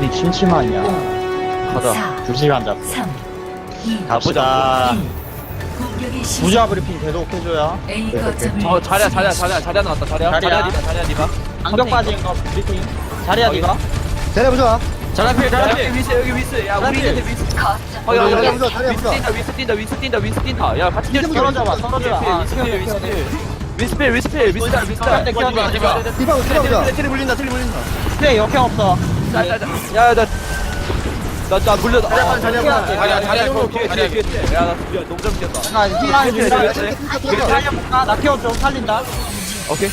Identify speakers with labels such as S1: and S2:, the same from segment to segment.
S1: 어디 심심하냐.
S2: 가자.
S1: 2시간 잡.
S3: 3, 2,
S1: 갑시다.
S3: 공격의 시작.
S1: 부자 브리핑 계속 해줘야.
S3: A 거점을
S2: 자리야 나왔다. 자리야 디바.
S1: 안경 빠진 거 브리핑. 자리야
S2: 여기.
S1: 니가.
S4: 자리 보자.
S2: 자리야 여기 위스. 야 우리 있는데 위스.
S4: 자리야 보자. 자리야 보자.
S2: 위스 뛴다. 야 같이 뛰어.
S1: 떨어져봐, 떨어져봐.
S2: 위스필.
S1: 켜야
S4: 디바 보자.
S2: 트리 물린다.
S1: 그래 역행 없어.
S2: 나 물려.
S4: 자리야
S2: 뒤에. 야나 너무 잘 뛰었다.
S1: 나 희망이
S2: 그래,
S1: 준다.
S2: 그래.
S1: 살려볼까? 나 케어 좀 살린다.
S2: 오케이.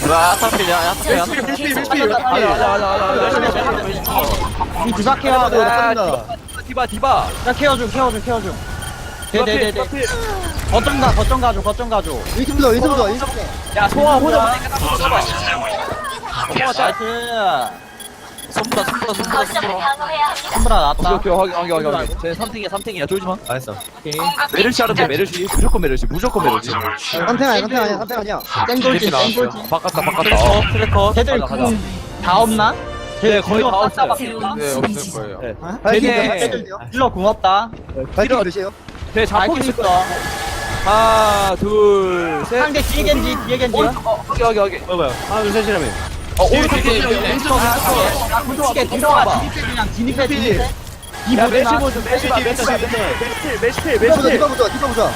S1: 이 주사 케어하고.
S2: 디바.
S1: 나 케어 좀. 네네네네. 거점 가줘.
S4: 이쪽 보자.
S2: 야 소아 호자
S1: 나이스.
S2: 손보라.
S1: 손브라 나왔다.
S2: 오케이 확인. 쟤 3등이야 쫄지 마.
S4: 알았어.
S2: 메르시 하는데 메르시 무조건 메르시.
S4: 선택 아니야.
S1: 땡돌지.
S2: 바꿨다.
S1: 트래커. 걔들
S2: 가자.
S1: 다 없나?
S2: 네, 거의 다 없어요.
S3: 네, 없을 거예요.
S2: 걔네
S1: 힐러 고맙다.
S4: 발키리 몇이에요?
S2: 걔 자폭
S1: 밝힐 수
S2: 있을 거야.
S1: 있어.
S2: 하나 둘 셋.
S1: 상대 뒤에 겐지.
S2: 여기.
S4: 뭐야? 하나 둘 셋이라며.
S1: 솔직히 들어가. 진입해. 이
S2: 야 메시
S1: 모델나.
S2: 보자. 메시
S4: 디바 보자.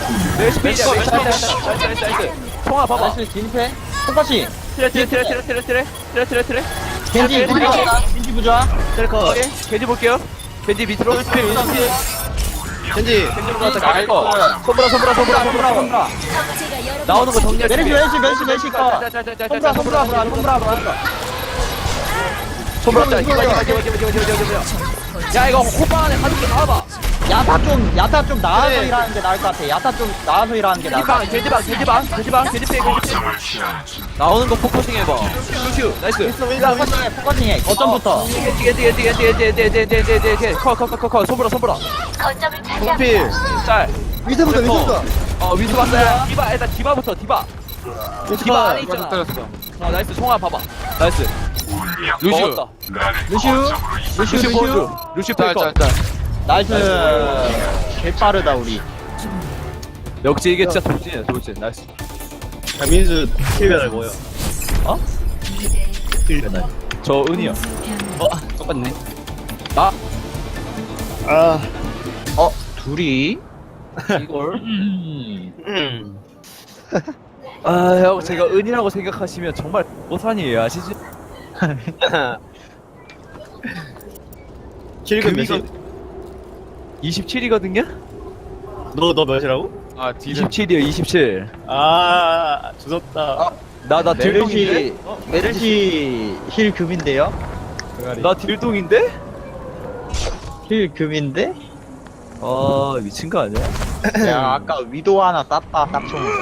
S2: 통화 봐봐.
S1: 나이스 진입해. 똑같이.
S2: 트레.
S1: 겐지 부자. 겐지 부자.
S2: 트레커. 겐지 볼게요. 겐지 밑으로.
S4: 겐지.
S2: 손브라. 나오는 거 정리해.
S1: 메르시 거.
S2: 손브라. 야 이거 호빵 안에 가족들 나와봐.
S1: 야타 좀 나와서 일하는 게 나을 것 같아. 야타 좀 나와서 일하는 게 나을 것 같아.
S2: 돼지방. 나오는 거 포커싱 해봐. 슈 나이스.
S1: 포커싱해. 거점부터.
S2: 커. 손보라.
S4: 필.
S2: 짤.
S4: 위세 보자.
S2: 위스 봤어요. 디바 일단 디바부터 디바 안에 있잖아. 나이스 총알 봐봐. 나이스. 먹었다. 루슈 페이커.
S1: 나이스. 개 빠르다 우리.
S2: 역시 이게 진짜 돌진. 나이스.
S4: 민수 킬 배달 뭐예요?
S2: 어?
S4: 킬 배달.
S2: 저 은이요.
S1: 똑같네.
S2: 나
S1: 둘이
S2: 이걸. 형 제가 은이라고 생각하시면 정말 못하니에요 아시지?
S4: 킬금 몇이?
S2: 27이거든요?
S4: 너 몇이라고?
S2: 27이요 27.
S4: 조졌다.
S2: 나 딜동인데?
S1: 메르시 힐 금인데요?
S2: 나 딜동인데?
S1: 힐 금인데?
S2: 아 미친 거 아니야?
S1: 야 아까 위도 하나 땄다 딱 총으로.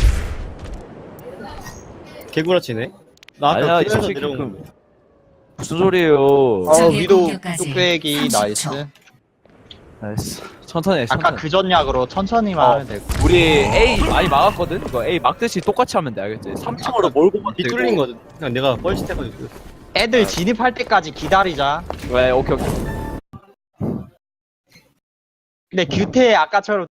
S4: 개구라치네. 나
S2: 아니야
S4: 아까
S2: 이
S4: 그래서
S2: 새끼
S4: 내려온
S2: 그 무슨 소리예요?
S1: 위도
S3: 공격까지
S1: 뚝배기
S3: 30초.
S1: 나이스.
S2: 나이스. 천천히 해.
S1: 아까 그 전약으로 천천히만 하면 되고.
S2: 우리 A 많이 막았거든? 이거 A 막듯이 똑같이 하면 돼, 알겠지? 3층으로 몰고 가면 되고.
S4: 뚫린 거든. 그냥 내가 뻘짓해가지고.
S1: 애들 진입할 때까지 기다리자.
S2: 왜, 오케이.
S1: 근데 규태 아까처럼